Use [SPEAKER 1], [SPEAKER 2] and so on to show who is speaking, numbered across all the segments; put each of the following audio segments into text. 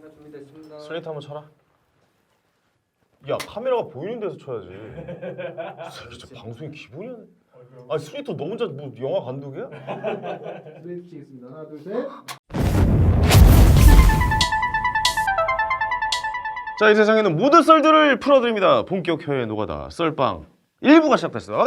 [SPEAKER 1] 하나 준비됐습니다.
[SPEAKER 2] 슬레이트 한번 쳐라. 야 카메라가 보이는 데서 쳐야지. 진짜 방송이 기본이 안. 아 슬레이트 너 혼자 뭐 영화 감독이야?
[SPEAKER 1] 슬레이트 치겠습니다. 하나 둘 셋.
[SPEAKER 2] 자, 이 세상에는 모든 썰들을 풀어드립니다. 본격 혀의 노가다 썰빵 1부가 시작됐습니다.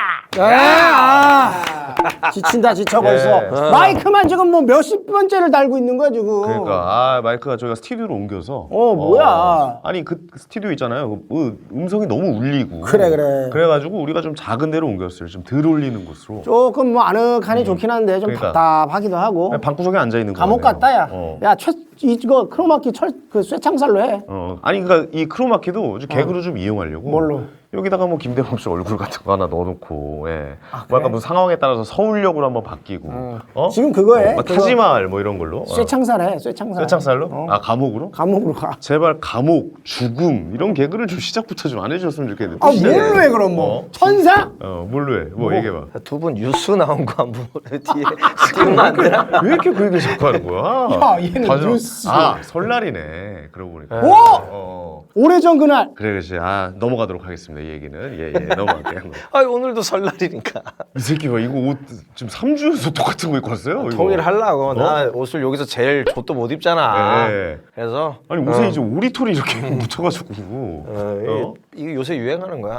[SPEAKER 2] 반갑습니다.
[SPEAKER 3] 지친다 지쳐 벌써. 마이크만 지금 뭐 몇십 번째를 달고 있는 거야 지금.
[SPEAKER 2] 그러니까 마이크가 저희가 스튜디오로 옮겨서
[SPEAKER 3] 뭐야.
[SPEAKER 2] 아니 그 스튜디오 있잖아요. 그 음성이 너무 울리고
[SPEAKER 3] 그래.
[SPEAKER 2] 그래가지고 우리가 좀 작은 데로 옮겼어요. 좀 덜 울리는 곳으로.
[SPEAKER 3] 조금 뭐 아늑하니 좋긴 한데 좀
[SPEAKER 2] 그러니까.
[SPEAKER 3] 답답하기도 하고.
[SPEAKER 2] 방구석에 앉아 있는 거.
[SPEAKER 3] 감옥 같다 야. 야 이거 크로마키 그 쇠창살로 해.
[SPEAKER 2] 아니 그러니까 이 크로마키도 개그로 좀 이용하려고.
[SPEAKER 3] 뭘로?
[SPEAKER 2] 여기다가 뭐 김대범 씨 얼굴 같은 거 하나 넣어놓고, 뭐 약간 뭐 상황에 따라서 서울역으로 한번 바뀌고,
[SPEAKER 3] 지금 그거에
[SPEAKER 2] 타지마을 뭐 이런 걸로.
[SPEAKER 3] 쇠창살해 쇠창살.
[SPEAKER 2] 쇠창살로? 감옥으로?
[SPEAKER 3] 감옥으로 가.
[SPEAKER 2] 제발 감옥, 죽음 이런 개그를 좀 시작부터 좀 안 해주셨으면 좋겠는데.
[SPEAKER 3] 뭘로 해 그럼 뭐? 천사?
[SPEAKER 2] 뭘로 해? 뭐 얘기해봐.
[SPEAKER 4] 두 분 뉴스 나온 거 한번 뒤에 띄우면 안 되나?
[SPEAKER 2] 왜 이렇게 그 얘기 자꾸 하는 거야?
[SPEAKER 3] 야 얘는 뉴스.
[SPEAKER 2] 설날이네. 그러고 보니까.
[SPEAKER 3] 오래전 그날.
[SPEAKER 2] 그래 그렇지. 넘어가도록 하겠습니다. 이 얘기는. 예 넘어갈게요.
[SPEAKER 4] 오늘도 설날이니까.
[SPEAKER 2] 이 새끼가 이거 옷 지금 3주 연속 똑같은 거 입고 왔어요? 이거.
[SPEAKER 4] 통일하려고. 나 옷을 여기서 제일 좆도 못 입잖아.
[SPEAKER 2] 네.
[SPEAKER 4] 그래서
[SPEAKER 2] 아니 옷에 이제 오리털이 이렇게 묻혀가지고.
[SPEAKER 4] 이게 요새 유행하는 거야.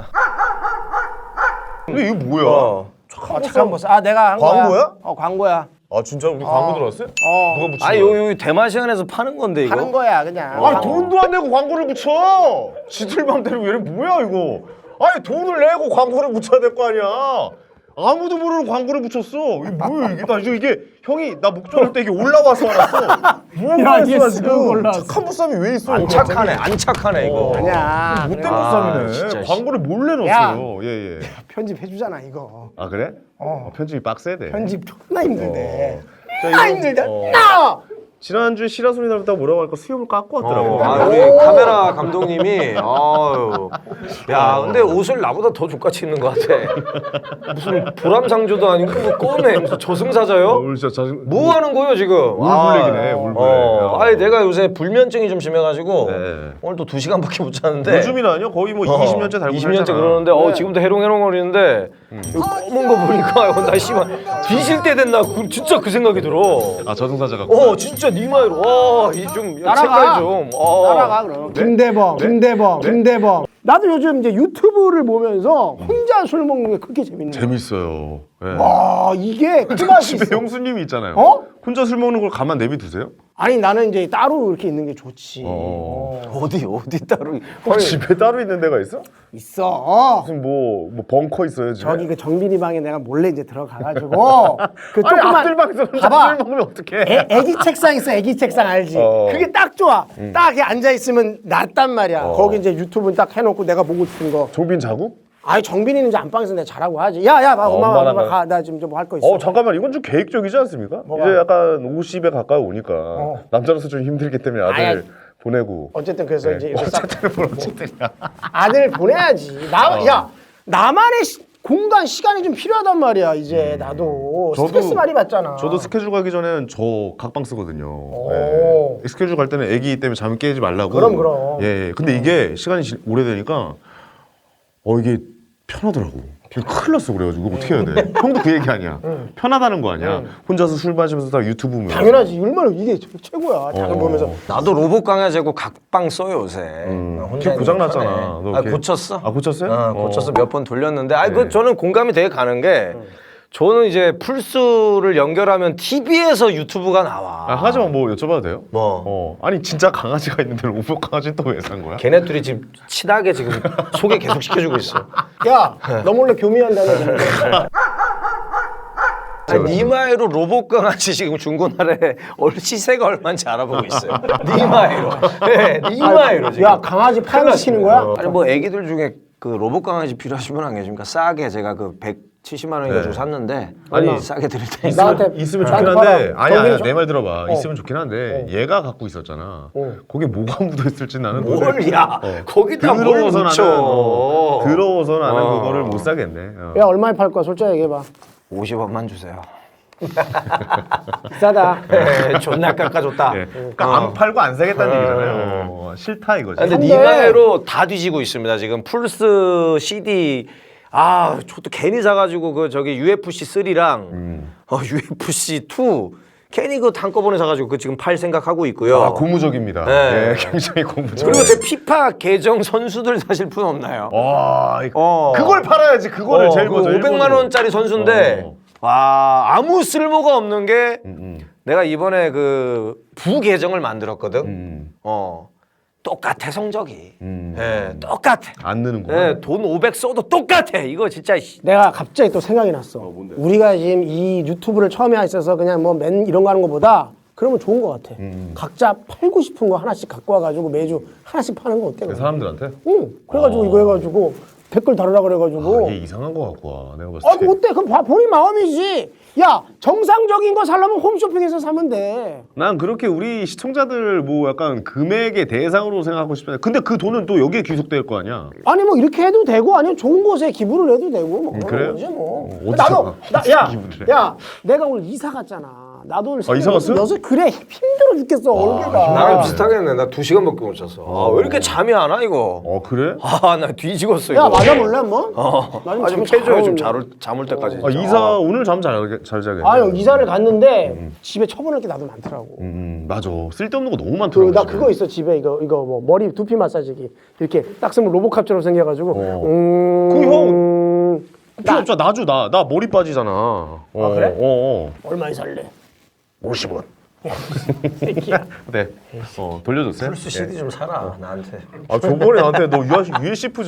[SPEAKER 2] 근데 이거 뭐야?
[SPEAKER 3] 잠깐 보자. 내가 한
[SPEAKER 2] 광고야?
[SPEAKER 3] 거야. 광고야.
[SPEAKER 2] 진짜 우리 광고 들어왔어요? 누가 붙인
[SPEAKER 4] 아니
[SPEAKER 2] 거야?
[SPEAKER 4] 여기 대마시안에서 파는 건데 이거.
[SPEAKER 3] 하는 거야 그냥.
[SPEAKER 2] 돈도 안 내고 광고를 붙여! 지들 맘대로 얘네 뭐야 이거? 아니 돈을 내고 광고를 붙여야 될 거 아니야? 아무도 모르는 광고를 붙였어. 이게 뭐야 이게? 나 이게 형이 나 목전할 때 이게 올라와서 알았어. 뭐야
[SPEAKER 3] 이게
[SPEAKER 2] 이게
[SPEAKER 3] 쓱
[SPEAKER 2] 지금
[SPEAKER 3] 올라왔어.
[SPEAKER 2] 착한 보쌈이 왜 있어?
[SPEAKER 4] 안 착하네 이거.
[SPEAKER 3] 아니야.
[SPEAKER 2] 못된
[SPEAKER 4] 진짜.
[SPEAKER 2] 보쌈이네. 광고를 몰래 넣었어요. 예.
[SPEAKER 3] 편집해주잖아 이거.
[SPEAKER 2] 그래? 편집이 빡세야 돼.
[SPEAKER 3] 편집 존나 힘들대.
[SPEAKER 2] 자,
[SPEAKER 3] 존나
[SPEAKER 2] 이거-
[SPEAKER 3] 힘들대.
[SPEAKER 2] 지난주에 시라소니 닮았다고 뭐라고 하니까 수염을 깎고 왔더라고.
[SPEAKER 4] 우리 카메라 감독님이 야 근데 옷을 나보다 더 족같이 입는 것 같아. 무슨 보람상조도 아니고 뭐 껌에 무슨 저승사자요?
[SPEAKER 2] 오늘 진짜 자신.
[SPEAKER 4] 뭐 하는 거예요 지금?
[SPEAKER 2] 울블랙이네, 울블랙.
[SPEAKER 4] 아니 내가 요새 불면증이 좀 심해가지고
[SPEAKER 2] 네.
[SPEAKER 4] 오늘 또 2시간밖에 못 잤는데.
[SPEAKER 2] 요즘이라뇨? 거의 뭐 20년째 달고
[SPEAKER 4] 20년째
[SPEAKER 2] 살잖아.
[SPEAKER 4] 그러는데 지금도 해롱해롱거리는데 이거 검은 거 보니까 나 씨발 뒤질 때 됐나 진짜 그 생각이 들어.
[SPEAKER 2] 저승사자가.
[SPEAKER 4] 진짜 니마이로 좀
[SPEAKER 3] 날아가.
[SPEAKER 4] 색깔 좀
[SPEAKER 3] 따라가 그럼. 김대범. 나도 요즘 이제 유튜브를 보면서 혼자 술 먹는 게 그렇게 재밌는 거야.
[SPEAKER 2] 재밌어요. 예.
[SPEAKER 3] 와 이게 그 맛이
[SPEAKER 2] 집에
[SPEAKER 3] 있어.
[SPEAKER 2] 형수님이 있잖아요.
[SPEAKER 3] 어?
[SPEAKER 2] 혼자 술 먹는 걸 가만 내비두세요?
[SPEAKER 3] 아니 나는 이제 따로 이렇게 있는 게 좋지.
[SPEAKER 4] 어디 따로
[SPEAKER 2] 집에 따로 있는 데가 있어?
[SPEAKER 3] 있어.
[SPEAKER 2] 무슨 뭐 벙커 있어요 집에?
[SPEAKER 3] 저기 그 정빈이 방에 내가 몰래 이제 들어가가지고 그
[SPEAKER 2] 아니
[SPEAKER 3] 조그만
[SPEAKER 2] 앞들방에서 혼자
[SPEAKER 3] 봐봐.
[SPEAKER 2] 술 먹으면 어떡해?
[SPEAKER 3] 애기 책상 있어. 애기 책상 알지? 그게 딱 좋아. 딱 이렇게 앉아 있으면 낫단 말이야. 거기 이제 유튜브 딱 해놓고 내가 보고 싶은 거.
[SPEAKER 2] 종빈 자고?
[SPEAKER 3] 아니 정빈이는 이제 안방에서 내가 잘하고 하지. 야야, 엄마
[SPEAKER 2] 엄마랑
[SPEAKER 3] 가. 나 지금 좀 할 거 있어.
[SPEAKER 2] 잠깐만 이건 좀 계획적이지 않습니까? 이제 약간 50에 가까이 오니까 남자로서 좀 힘들기 때문에 아들 보내고.
[SPEAKER 3] 어쨌든 그래서 이제 이렇게 싹
[SPEAKER 2] 어쨌든이야.
[SPEAKER 3] 아들 보내야지. 야 나만의 공간 시간이 좀 필요하단 말이야. 이제 나도 스트레스 많이 받잖아.
[SPEAKER 2] 저도 스케줄 가기 전에는 저 각방 쓰거든요. 예. 스케줄 갈 때는 아기 때문에 잠 깨지 말라고.
[SPEAKER 3] 그럼.
[SPEAKER 2] 예. 근데 이게 시간이 오래되니까 이게 편하더라고. 큰일 났어 그래가지고 이거 어떻게 해야 돼? 형도 그 얘기 아니야. 편하다는 거 아니야. 혼자서 술 마시면서 다 유튜브 보면.
[SPEAKER 3] 당연하지. 얼마나 이게 최고야. 작은 보면서.
[SPEAKER 4] 나도 로봇 강아지하고 각방 써요 요새. 혼자
[SPEAKER 2] 걔 고장
[SPEAKER 4] 있는 거
[SPEAKER 2] 났잖아.
[SPEAKER 4] 편해.
[SPEAKER 2] 너 걔-
[SPEAKER 4] 고쳤어?
[SPEAKER 2] 고쳤어요?
[SPEAKER 4] 고쳤어. 몇 번 돌렸는데 그 저는 공감이 되게 가는 게 저는 이제 플스를 연결하면 TV에서 유튜브가 나와.
[SPEAKER 2] 하지만 뭐 여쭤봐도 돼요?
[SPEAKER 4] 뭐?
[SPEAKER 2] 아니 진짜 강아지가 있는데 로봇 강아지 또 왜 산 거야?
[SPEAKER 4] 걔네 둘이 지금 친하게 지금 소개 계속 시켜주고 있어.
[SPEAKER 3] 야, 너 몰래 교미한다는
[SPEAKER 4] 니마이로 로봇 강아지 지금 중고나라에 시세가 얼마인지 알아보고 있어요. 니마이로. 네, 니마이로 지금.
[SPEAKER 3] 야, 강아지 파양시키는 거야?
[SPEAKER 4] 아니 뭐 애기들 중에 그 로봇 강아지 필요하신 분 안 계십니까? 싸게 제가 그 170만 원 가지고 샀는데
[SPEAKER 2] 아니,
[SPEAKER 4] 싸게 드릴 테니까.
[SPEAKER 3] 나한테
[SPEAKER 2] 있으면 좋긴
[SPEAKER 3] 나한테
[SPEAKER 2] 한데
[SPEAKER 3] 봐라.
[SPEAKER 2] 아니야
[SPEAKER 3] 정빈이
[SPEAKER 2] 내 말 들어봐. 있으면 좋긴 한데 얘가 갖고 있었잖아. 거기에 뭐가 묻어 있을지 나는
[SPEAKER 4] 뭘야? 거기다 뭘
[SPEAKER 2] 더러워서
[SPEAKER 4] 묻혀?
[SPEAKER 2] 더러워서 나는 그거를 못 사겠네.
[SPEAKER 3] 야, 얼마에 팔 거야? 솔직히 얘기해봐.
[SPEAKER 4] 50원만 주세요.
[SPEAKER 3] 비싸다.
[SPEAKER 4] 존나 깎아줬다.
[SPEAKER 2] 그러니까 안 팔고 안 사겠다는 얘기잖아요. 싫다 이거지.
[SPEAKER 4] 근데
[SPEAKER 3] 근데-
[SPEAKER 4] 니가해로 다 뒤지고 있습니다. 지금 플스 CD 저도 괜히 사가지고 그 저기 UFC 3랑 UFC 2 괜히 그 한꺼번에 사가지고 그 지금 팔 생각하고 있고요.
[SPEAKER 2] 아, 고무적입니다.
[SPEAKER 4] 네.
[SPEAKER 2] 네, 굉장히 고무적.
[SPEAKER 4] 그리고 제 피파 계정 선수들 사실 분 없나요?
[SPEAKER 2] 와, 그걸 팔아야지. 그거를 제일 먼저.
[SPEAKER 4] 500만 원짜리 선수인데 와 아무 쓸모가 없는 게
[SPEAKER 2] 음.
[SPEAKER 4] 내가 이번에 그 부계정을 만들었거든. 똑같아 성적이. 예, 똑같아.
[SPEAKER 2] 안 느는구나.
[SPEAKER 4] 예, 돈 500 써도 똑같아. 이거 진짜.
[SPEAKER 3] 내가 갑자기 또 생각이 났어. 우리가 지금 이 유튜브를 처음에 있어서 그냥 뭐 이런 거 하는 것보다 그러면 좋은 것 같아. 각자 팔고 싶은 거 하나씩 갖고 와가지고 매주 하나씩 파는 거 어때?
[SPEAKER 2] 사람들한테?
[SPEAKER 3] 응. 그래가지고 이거 해가지고 댓글 달으라 그래가지고.
[SPEAKER 2] 이게 이상한 거 같고 와. 내가 봤을
[SPEAKER 3] 아,
[SPEAKER 2] 때.
[SPEAKER 3] 어때? 그럼 본인 마음이지. 야, 정상적인 거 살려면 홈쇼핑에서 사면 돼.
[SPEAKER 2] 난 그렇게 우리 시청자들 뭐 약간 금액의 대상으로 생각하고 싶은데 근데 그 돈은 또 여기에 귀속될 거 아니야?
[SPEAKER 3] 아니 뭐 이렇게 해도 되고 아니면 좋은 곳에 기부를 해도 되고 뭐 그런
[SPEAKER 2] 그래요?
[SPEAKER 3] 거지 뭐.
[SPEAKER 2] 어디서 기부를 해?
[SPEAKER 3] 야, 내가 오늘 이사 갔잖아. 나도 오늘
[SPEAKER 2] 이사 갔어?
[SPEAKER 3] 여섯 그래 힘들어 죽겠어 얼굴가.
[SPEAKER 4] 나랑 비슷하겠네. 나 2시간밖에 못 잤어. 왜 이렇게 잠이 안 와 이거?
[SPEAKER 2] 그래?
[SPEAKER 4] 나 뒤지겠어
[SPEAKER 3] 야
[SPEAKER 4] 이거.
[SPEAKER 3] 맞아볼래 한번? 나
[SPEAKER 4] 좀
[SPEAKER 3] 잘
[SPEAKER 4] 해줘요. 좀
[SPEAKER 3] 오는데.
[SPEAKER 4] 잠올 때까지.
[SPEAKER 2] 이사 오늘 잠 잘 자겠네.
[SPEAKER 3] 아유 이사를 갔는데 집에 처분할 게 나도 많더라고.
[SPEAKER 2] 맞아. 쓸데없는 거 너무 많더라고.
[SPEAKER 3] 나
[SPEAKER 2] 집에.
[SPEAKER 3] 그거 있어 집에 이거 뭐 머리 두피 마사지기 이렇게 딱 쓰면 로보캅처럼 생겨가지고.
[SPEAKER 2] 그 형 필요 없잖아. 나줘 나 머리 빠지잖아.
[SPEAKER 3] 아, 그래?
[SPEAKER 2] 얼마에
[SPEAKER 3] 살래?
[SPEAKER 2] 50원. 네. 돌려줬어요?
[SPEAKER 4] 플스 CD 좀 사라 나한테.
[SPEAKER 2] 아 저번에 나한테 너 USF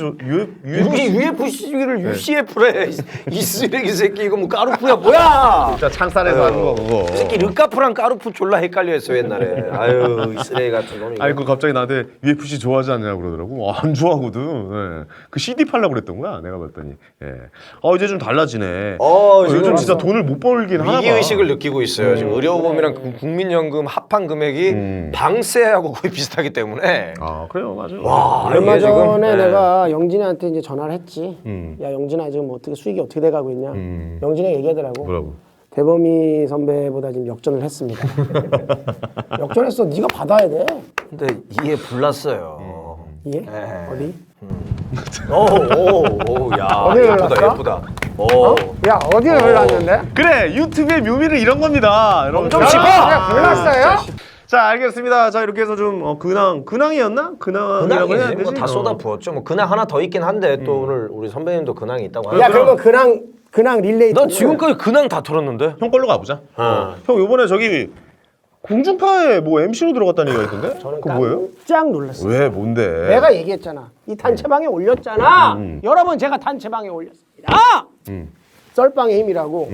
[SPEAKER 4] UFC를 UCF래. 이 쓰레기 새끼 이거 뭐 까루프야 뭐야?
[SPEAKER 2] 진짜 창살에서 하는 거 그거.
[SPEAKER 4] 이 새끼 르카프랑 까루프 졸라 헷갈려 했어 옛날에. 아유 이 쓰레기 같은 놈이.
[SPEAKER 2] 아니 그 갑자기 나한테 UFC 좋아하지 않냐고 그러더라고. 안 좋아하거든. 예. 그 CD 팔려고 그랬던 거야. 내가 봤더니. 예. 이제 좀 달라지네. 요즘 진짜 돈을 못 벌긴 하나 봐.
[SPEAKER 4] 위기 의식을 느끼고 있어요. 지금 의료보험이랑 국민연금 합한 금액이 방세하고 거의 비슷하기 때문에.
[SPEAKER 2] 아 그래요, 맞아.
[SPEAKER 4] 와
[SPEAKER 3] 얼마
[SPEAKER 4] 이게 지금,
[SPEAKER 3] 전에
[SPEAKER 4] 네.
[SPEAKER 3] 내가 영진이한테 이제 전화를 했지. 야 영진아 지금 뭐 어떻게 수익이 어떻게 돼가고 있냐. 영진이가 얘기하더라고.
[SPEAKER 2] 뭐라고?
[SPEAKER 3] 대범이 선배보다 지금 역전을 했습니다. 역전했어. 네가 받아야 돼.
[SPEAKER 4] 근데 이해 불났어요.
[SPEAKER 3] 이해?
[SPEAKER 4] 네.
[SPEAKER 3] 어디?
[SPEAKER 4] 야
[SPEAKER 3] 어디를
[SPEAKER 4] 예쁘다
[SPEAKER 3] 올랐어?
[SPEAKER 4] 예쁘다.
[SPEAKER 3] 야 어디를 올랐는데?
[SPEAKER 2] 그래, 유튜브의 묘미는 이런 겁니다. 여러분.
[SPEAKER 4] 좀 짚어!
[SPEAKER 3] 골랐어요?
[SPEAKER 2] 자, 알겠습니다. 자, 이렇게 해서 좀 근황이었나? 근황이라고 해야
[SPEAKER 4] 근황이지
[SPEAKER 2] 되지?
[SPEAKER 4] 뭐다 쏟아 부었죠. 뭐 근황 하나 더 있긴 한데 또 오늘 우리 선배님도 근황이 있다고
[SPEAKER 3] 야
[SPEAKER 4] 하니까.
[SPEAKER 3] 그러면 근황 릴레이.
[SPEAKER 4] 넌 지금까지 근황 다 털었는데?
[SPEAKER 2] 형 걸로 가보자. 형 요번에 저기 공중파에 뭐 MC로 들어갔다는 얘기가 있던데? 그거 뭐예요?
[SPEAKER 3] 깜짝 놀랐어.
[SPEAKER 2] 왜? 뭔데?
[SPEAKER 3] 내가 얘기했잖아. 이 단체방에 올렸잖아. 여러분 제가 단체방에 올렸습니다. 썰빵의 힘이라고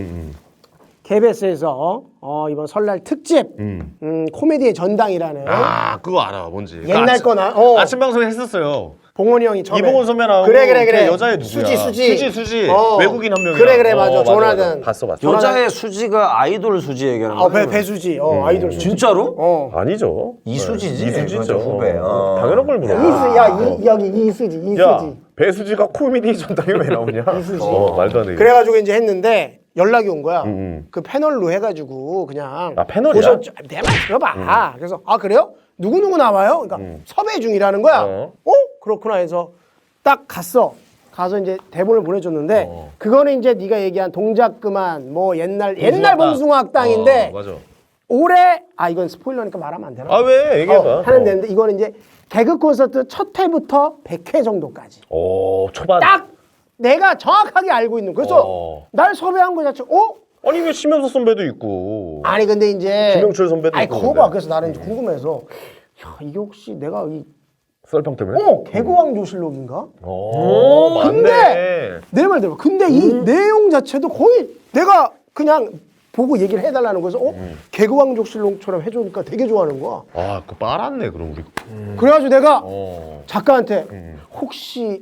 [SPEAKER 3] KBS에서 이번 설날 특집 코미디의 전당이라는
[SPEAKER 2] 아, 그거 알아. 뭔지.
[SPEAKER 3] 옛날 거나
[SPEAKER 2] 아침 방송에 했었어요.
[SPEAKER 3] 봉원이 형이 처음에
[SPEAKER 2] 이봉원 선배랑
[SPEAKER 3] 그래
[SPEAKER 2] 그 여자애 누구야? 수지. 외국인 한 명이랑.
[SPEAKER 3] 그래 맞아. 조나든
[SPEAKER 2] 봤어.
[SPEAKER 4] 여자의 수지가 아이돌 수지 얘기하는 거야?
[SPEAKER 3] 배수지 아이돌 수지.
[SPEAKER 4] 진짜로?
[SPEAKER 2] 아니죠.
[SPEAKER 4] 이수지지?
[SPEAKER 2] 이수지죠.
[SPEAKER 4] 맞아, 후배.
[SPEAKER 2] 당연한 걸 물어.
[SPEAKER 3] 여기 이수지.
[SPEAKER 2] 야, 배수지가 코미디 전당에 왜 나오냐? 말도 안 돼.
[SPEAKER 3] 그래가지고 이제 했는데 연락이 온 거야. 그 패널로 해가지고 그냥
[SPEAKER 2] 패널이야?
[SPEAKER 3] 보셨죠? 내 말 들어봐. 그래서 그래요? 누구 나와요? 그러니까 섭외 중이라는 거야. 그렇구나 해서 딱 가서 이제 대본을 보내줬는데 그거는 이제 네가 얘기한 동작 그만 뭐 옛날 봉숭아 학당인데
[SPEAKER 2] 맞아.
[SPEAKER 3] 올해 이건 스포일러니까 말하면 안 되나?
[SPEAKER 2] 아, 왜? 얘기해봐.
[SPEAKER 3] 하는 데인데 이거는 이제 개그 콘서트 첫 회부터 100회 정도까지.
[SPEAKER 2] 초반.
[SPEAKER 3] 딱 내가 정확하게 알고 있는. 그래서 날 섭외한 거 자체.
[SPEAKER 2] 아니, 왜 심영석 선배도 있고.
[SPEAKER 3] 아니 근데 이제
[SPEAKER 2] 김영철 선배도 있고.
[SPEAKER 3] 그거 봐. 그래서 나는 이제 궁금해서 야 이게 혹시 내가
[SPEAKER 2] 썰빵 때문에?
[SPEAKER 3] 개그왕 조실록인가?
[SPEAKER 2] 맞네.
[SPEAKER 3] 내 말 들어봐. 근데 이 내용 자체도 거의 내가 그냥 보고 얘기를 해달라는 거에서 개그왕 조실록처럼 해주니까 되게 좋아하는 거야.
[SPEAKER 2] 그거 빨았네, 그럼 우리.
[SPEAKER 3] 그래가지고 내가 작가한테 혹시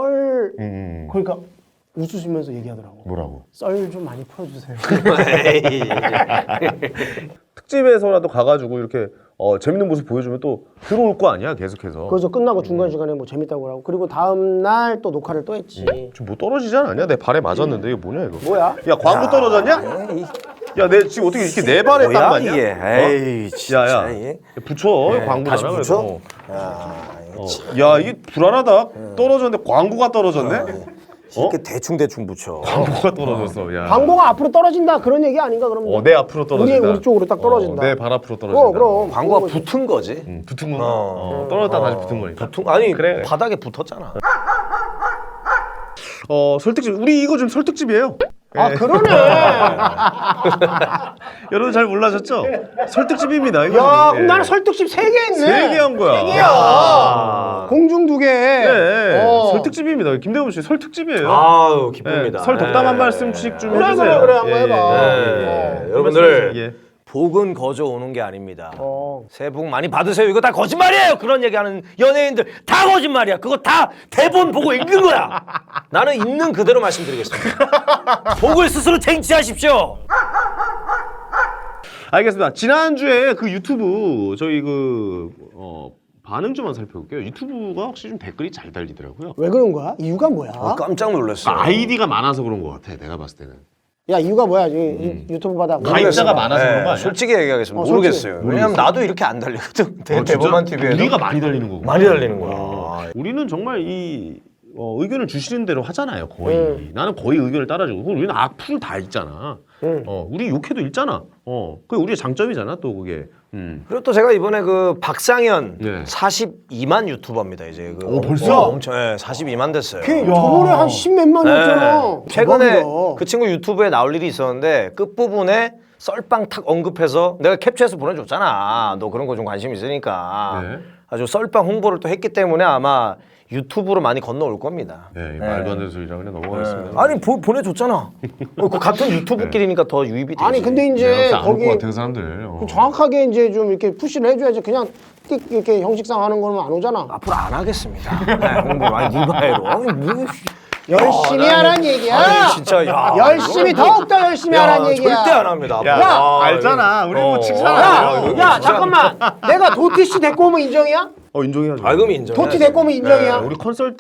[SPEAKER 3] 그러니까 웃으시면서 얘기하더라고.
[SPEAKER 2] 뭐라고?
[SPEAKER 3] 썰 좀 많이 풀어주세요.
[SPEAKER 2] 특집에서라도 가가지고 이렇게 재밌는 모습 보여주면 또 들어올 거 아니야, 계속해서.
[SPEAKER 3] 그래서 끝나고 중간 시간에 뭐 재밌다고 하고 그리고 다음 날 또 녹화를 또 했지.
[SPEAKER 2] 지금 뭐 떨어지지 않았냐? 내 발에 맞았는데 이거 뭐냐 이거?
[SPEAKER 3] 뭐야?
[SPEAKER 2] 야, 광고 떨어졌냐? 야, 내 지금 어떻게 이렇게 네 발에 딱
[SPEAKER 4] 뭐야
[SPEAKER 2] 맞냐?
[SPEAKER 4] 이게? 에이 진짜.
[SPEAKER 2] 야야,
[SPEAKER 4] 이게.
[SPEAKER 2] 붙여. 광고잖아.
[SPEAKER 4] 다시 붙여?
[SPEAKER 2] 그래도. 야, 이게 불안하다. 떨어졌는데 광고가 떨어졌네.
[SPEAKER 4] 이렇게 대충 붙여.
[SPEAKER 2] 광고가 떨어졌어. 야.
[SPEAKER 3] 광고가 앞으로 떨어진다 그런 얘기 아닌가 그러면?
[SPEAKER 2] 내 앞으로 떨어진다.
[SPEAKER 3] 우리 쪽으로 딱 떨어진다.
[SPEAKER 2] 내 발 앞으로 떨어진다.
[SPEAKER 3] 그럼.
[SPEAKER 4] 광고가 붙은 거지.
[SPEAKER 2] 붙은 거. 떨어졌다 다시 붙은 거니까.
[SPEAKER 4] 아니
[SPEAKER 2] 그래.
[SPEAKER 4] 바닥에 붙었잖아.
[SPEAKER 2] 설득집. 우리 이거 좀 설득집이에요.
[SPEAKER 3] 아 그러네.
[SPEAKER 2] 여러분 잘 몰라셨죠? 설득집입니다. 이거.
[SPEAKER 3] 야, 그럼 나는 설득집 3개 했네.
[SPEAKER 2] 3개 한 거야.
[SPEAKER 3] 3개야. 공중 2개.
[SPEAKER 2] 네. 설득집입니다. 김대범 씨 설득집이에요.
[SPEAKER 4] 아유 기쁩니다.
[SPEAKER 2] 설 덕담 한 말씀씩 좀
[SPEAKER 3] 그래,
[SPEAKER 2] 해주세요.
[SPEAKER 3] 그래, 한번 해봐.
[SPEAKER 4] 여러분들
[SPEAKER 2] 예.
[SPEAKER 4] 복은 거저 오는 게 아닙니다. 새해 복 많이 받으세요. 이거 다 거짓말이에요. 그런 얘기하는 연예인들 다 거짓말이야. 그거 다 대본 보고 읽는 거야. 나는 있는 그대로 말씀드리겠습니다. 복을 스스로 쟁취하십시오.
[SPEAKER 2] 알겠습니다. 지난주에 그 유튜브 저희 반응 좀만 살펴볼게요. 유튜브가 확실히 좀 댓글이 잘 달리더라고요.
[SPEAKER 3] 왜 그런 거야? 이유가 뭐야?
[SPEAKER 4] 깜짝 놀랐어.
[SPEAKER 2] 아이디가 많아서 그런 것 같아. 내가 봤을 때는.
[SPEAKER 3] 야 이유가 뭐야? 유튜브 받아.
[SPEAKER 2] 가입자가 많아서 그런 거 아니야?
[SPEAKER 4] 솔직히 얘기하겠습니다. 모르겠어요. 왜냐면 나도 이렇게 안 달리거든. 대범한 TV에
[SPEAKER 2] 우리가 많이 달리는 거고.
[SPEAKER 4] 많이 달리는 거야.
[SPEAKER 2] 우리는 정말 이 의견을 주시는 대로 하잖아요. 거의. 나는 거의 의견을 따라주고. 그리고 우리는 악플 다 읽잖아. 우리 욕해도 읽잖아. 그게 우리의 장점이잖아. 또 그게.
[SPEAKER 4] 그리고 또 제가 이번에 그 박상현
[SPEAKER 2] 네.
[SPEAKER 4] 42만 유튜버입니다. 이제
[SPEAKER 2] 벌써?
[SPEAKER 4] 엄청 42만 됐어요.
[SPEAKER 3] 걔 저번에 한 10몇만이었잖아.
[SPEAKER 4] 최근에 그 친구 유튜브에 나올 일이 있었는데 끝부분에 썰빵 탁 언급해서 내가 캡처해서 보내줬잖아. 너 그런 거 좀 관심 있으니까.
[SPEAKER 2] 네.
[SPEAKER 4] 아주 썰빵 홍보를 또 했기 때문에 아마 유튜브로 많이 건너올 겁니다.
[SPEAKER 2] 네, 말도 안 되는 소리라 그냥 넘어가겠습니다.
[SPEAKER 4] 아니 보내줬잖아. 그 같은 유튜브끼리니까 더 유입이 되지.
[SPEAKER 3] 아니 근데 이제 거기
[SPEAKER 2] 같은 사람들.
[SPEAKER 3] 정확하게 이제 좀 이렇게 푸시를 해줘야지. 그냥 띡 이렇게 형식상 하는 거는 안 오잖아.
[SPEAKER 4] 앞으로 안 하겠습니다. 네, 홍보 많이 니바해로. 아니 뭐
[SPEAKER 3] 열심히 하라는 얘기야.
[SPEAKER 4] 아니 진짜 야.
[SPEAKER 3] 열심히 더욱더 열심히 하라는 얘기야.
[SPEAKER 4] 절대 안 합니다.
[SPEAKER 2] 야,
[SPEAKER 4] 아,
[SPEAKER 2] 알잖아. 우리 뭐 칭찬 안
[SPEAKER 3] 야,
[SPEAKER 2] 해요.
[SPEAKER 3] 야 잠깐만. 내가 도티 씨 데리고 오면 인정이야?
[SPEAKER 2] 인정해야죠.
[SPEAKER 4] 그럼 인정.
[SPEAKER 3] 도티 데리고 오면 인정이야?
[SPEAKER 2] 우리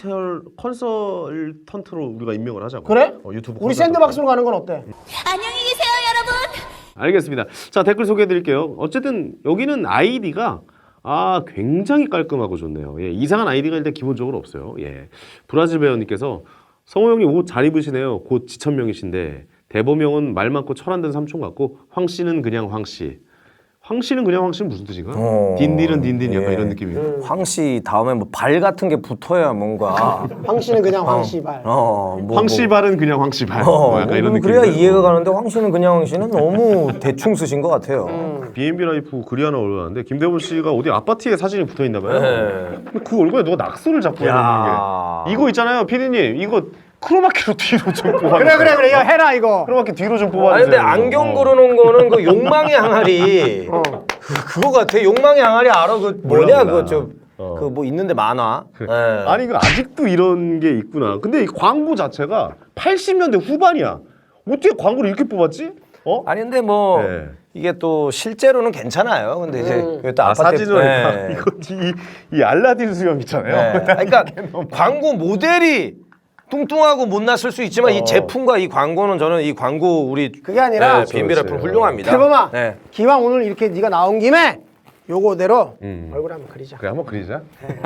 [SPEAKER 2] 컨설턴트로 우리가 임명을 하자고.
[SPEAKER 3] 그래?
[SPEAKER 2] 유튜브
[SPEAKER 3] 우리
[SPEAKER 2] 컨설턴트.
[SPEAKER 3] 샌드박스로 가는 건 어때?
[SPEAKER 5] 안녕히 계세요, 여러분.
[SPEAKER 2] 알겠습니다. 자, 댓글 소개해드릴게요. 어쨌든 여기는 아이디가 굉장히 깔끔하고 좋네요. 예, 이상한 아이디가 일단 기본적으로 없어요. 예, 브라질 배우님께서 성호 형님 옷 잘 입으시네요. 곧 지천명이신데 대범 형은 말 많고 철 안 든 삼촌 같고 황 씨는 그냥 황 씨. 황 씨는 그냥 황 씨는 무슨 뜻인가? 딘딘은 딘딘 약간 이런 느낌이에요.
[SPEAKER 4] 황씨 다음에 뭐 발 같은 게 붙어야 뭔가.
[SPEAKER 3] 황 씨는 그냥 황 씨발.
[SPEAKER 2] 황 씨발은 그냥 황 씨발. 뭐 약간 이런 느낌.
[SPEAKER 4] 그래야 이해가 가는데 황씨는 그냥 황씨는 너무 대충 쓰신 것 같아요.
[SPEAKER 2] B&B 라이프 글이 하나 올라왔는데 김대범 씨가 어디 아파트에 사진이 붙어 있나 봐요. 근데 그 얼굴에 누가 낙서를 잡고 있는 게. 이거 있잖아요, 피디님. 이거 크로마키로 뒤로 좀 뽑아.
[SPEAKER 3] 그래 이거 해라 이거.
[SPEAKER 2] 크로마키 뒤로 좀 뽑아주세요.
[SPEAKER 4] 아니 근데 안경 걸어놓은 거는 그 욕망의 항아리 그거 같아. 욕망의 항아리 알아? 그 뭐냐 그거 그 뭐 있는데 만화. 예.
[SPEAKER 2] 아니 그 아직도 이런 게 있구나. 근데 이 광고 자체가 80년대 후반이야. 어떻게 광고를 이렇게 뽑았지?
[SPEAKER 4] 아니 근데 뭐
[SPEAKER 2] 네.
[SPEAKER 4] 이게 또 실제로는 괜찮아요. 근데 이제 그게 또 아파트
[SPEAKER 2] 사진으로
[SPEAKER 4] 네.
[SPEAKER 2] 이거 이 알라딘 수염 있잖아요.
[SPEAKER 4] 네. 그러니까 광고 모델이 뚱뚱하고 못났을 수 있지만 이 제품과 이 광고는 저는 이 광고 우리
[SPEAKER 3] 그게 아니라
[SPEAKER 4] B&B 라이프 훌륭합니다.
[SPEAKER 3] 대범아.
[SPEAKER 4] 네.
[SPEAKER 3] 기왕 오늘 이렇게 네가 나온 김에 요거대로 얼굴 한번 그리자.
[SPEAKER 2] 그래 한번 그리자.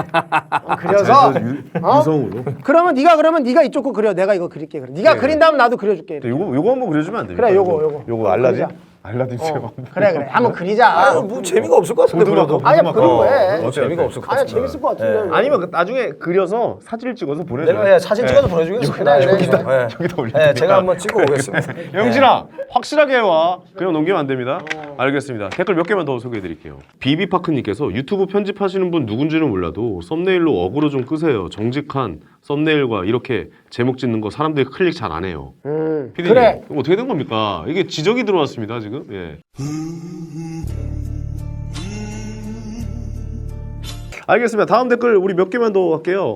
[SPEAKER 3] 그려서
[SPEAKER 2] 유성으로.
[SPEAKER 3] 그러면 네가 이쪽 거 그려. 내가 이거 그릴게. 그래. 네가 그린 다음 나도 그려줄게.
[SPEAKER 2] 요거 한번 그려주면 안 됩니까?
[SPEAKER 3] 그래, 요거.
[SPEAKER 2] 요거 알라딘.
[SPEAKER 3] 그리자.
[SPEAKER 2] 알라딘 수염.
[SPEAKER 3] 그래 한번 그리자.
[SPEAKER 4] 뭐 재미가 없을 것 같은데 그래도.
[SPEAKER 3] 아니야 그린 거해.
[SPEAKER 4] 재미가 없을 것
[SPEAKER 3] 아니야
[SPEAKER 4] 같은데.
[SPEAKER 3] 재밌을 것 같은데.
[SPEAKER 2] 아니면 나중에 그려서 사진을 찍어서 보내줘.
[SPEAKER 4] 내가 사진 찍어서 보내주겠습니다.
[SPEAKER 3] 그래.
[SPEAKER 2] 여기다 올려.
[SPEAKER 4] 네, 제가 한번 찍어 오겠습니다.
[SPEAKER 2] 영진아 확실하게 해와. 그냥 넘기면 안 됩니다. 알겠습니다. 댓글 몇 개만 더 소개해드릴게요. 비비파크님께서 유튜브 편집하시는 분 누군지는 몰라도 썸네일로 어그로 좀 끄세요. 정직한 썸네일과 이렇게 제목 짓는 거 사람들이 클릭 잘 안 해요. 피디님,
[SPEAKER 3] 그래.
[SPEAKER 2] 이거 어떻게 된 겁니까? 이게 지적이 들어왔습니다 지금. 예. 알겠습니다. 다음 댓글 우리 몇 개만 더 할게요.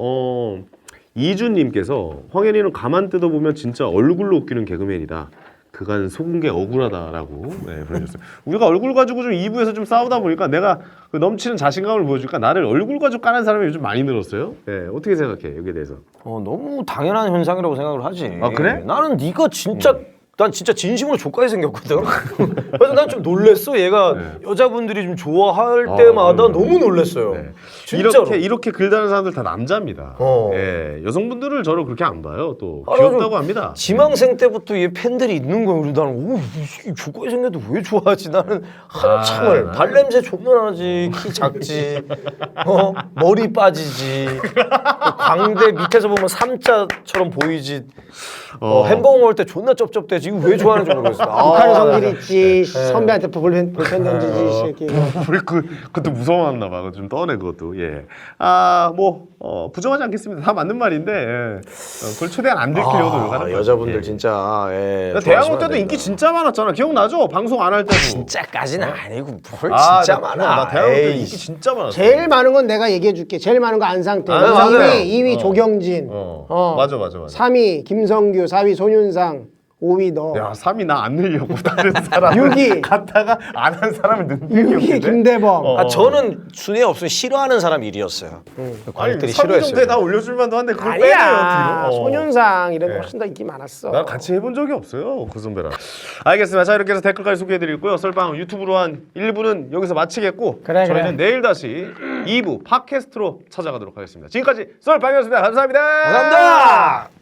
[SPEAKER 2] 이준님께서 황현이는 가만 뜯어보면 진짜 얼굴로 웃기는 개그맨이다. 그간 속은 게 억울하다라고 보내주셨어요. 우리가 얼굴 가지고 좀 2부에서 좀 싸우다 보니까 내가 그 넘치는 자신감을 보여주니까 나를 얼굴 가지고 까는 사람이 요즘 많이 늘었어요. 어떻게 생각해 여기에 대해서?
[SPEAKER 4] 너무 당연한 현상이라고 생각을 하지.
[SPEAKER 2] 아, 그래?
[SPEAKER 4] 나는 네가 진짜 난 진짜 진심으로 족같이 생겼거든. 그래서 난 좀 놀랬어. 얘가 여자분들이 좀 좋아할 때마다 너무 놀랬어요.
[SPEAKER 2] 네.
[SPEAKER 4] 진짜로.
[SPEAKER 2] 이렇게 글다는 사람들 다 남자입니다.
[SPEAKER 4] 어.
[SPEAKER 2] 예, 여성분들을 저를 그렇게 안 봐요. 또
[SPEAKER 4] 아,
[SPEAKER 2] 귀엽다고
[SPEAKER 4] 좀
[SPEAKER 2] 합니다.
[SPEAKER 4] 지망생 때부터 얘 팬들이 있는 거예요. 그래서 나는 오, 이 족같이 생겨도 왜 좋아하지? 나는 한참을 발냄새 존나 나지, 키 작지, 머리 빠지지, 광대 밑에서 보면 삼자처럼 보이지. 햄버거 먹을 때 존나 쩝쩝대지. 이거 왜 좋아하는지 모르겠어.
[SPEAKER 3] 북한 성질 있지. 선배한테 볼펜 던지지 이 새끼.
[SPEAKER 2] 우리 그것도 무서워했나 봐. 좀 떠네 그것도. 예. 부정하지 않겠습니다. 다 맞는 말인데 그걸 최대한 안 들키려고 노력하는 거죠.
[SPEAKER 4] 여자분들
[SPEAKER 2] 예.
[SPEAKER 4] 진짜
[SPEAKER 2] 대학원 때도 인기 진짜 많았잖아. 기억나죠? 방송 안 할 때도.
[SPEAKER 4] 진짜까지는 아니고 뭘
[SPEAKER 2] 나
[SPEAKER 4] 진짜
[SPEAKER 2] 기억나.
[SPEAKER 4] 많아.
[SPEAKER 2] 나 대학원 때
[SPEAKER 4] 에이,
[SPEAKER 2] 인기 진짜 많았어.
[SPEAKER 3] 제일 많은 건 내가 얘기해 줄게. 제일 많은 거 안상태.
[SPEAKER 2] 맞아요.
[SPEAKER 3] 2위 조경진.
[SPEAKER 2] 맞아.
[SPEAKER 3] 3위 김성규, 4위 손윤상, 5위 너.
[SPEAKER 2] 야, 3위 나 안 늘려고 다른 사람
[SPEAKER 3] 6위
[SPEAKER 2] 갔다가 안 한 사람을
[SPEAKER 3] 6위
[SPEAKER 2] 늘리겠는데.
[SPEAKER 3] 김대범.
[SPEAKER 4] 저는 순위 없으면 싫어하는 사람 1위였어요.
[SPEAKER 2] 아니,
[SPEAKER 4] 관객들이
[SPEAKER 2] 3위 정도에
[SPEAKER 4] 싫어했어요.
[SPEAKER 2] 다 올려줄 만도 한데 그걸
[SPEAKER 3] 아니야.
[SPEAKER 2] 빼내요 뒤로.
[SPEAKER 3] 손윤상 이런 거 훨씬 더 인기 많았어.
[SPEAKER 2] 난 같이 해본 적이 없어요 그 선배랑. 알겠습니다. 자 이렇게 해서 댓글까지 소개해드리고요. 썰빵 유튜브로 한 1부는 여기서 마치겠고
[SPEAKER 3] 그래.
[SPEAKER 2] 저희는 내일 다시 2부 팟캐스트로 찾아가도록 하겠습니다. 지금까지 썰빵이었습니다. 감사합니다.
[SPEAKER 4] 감사합니다.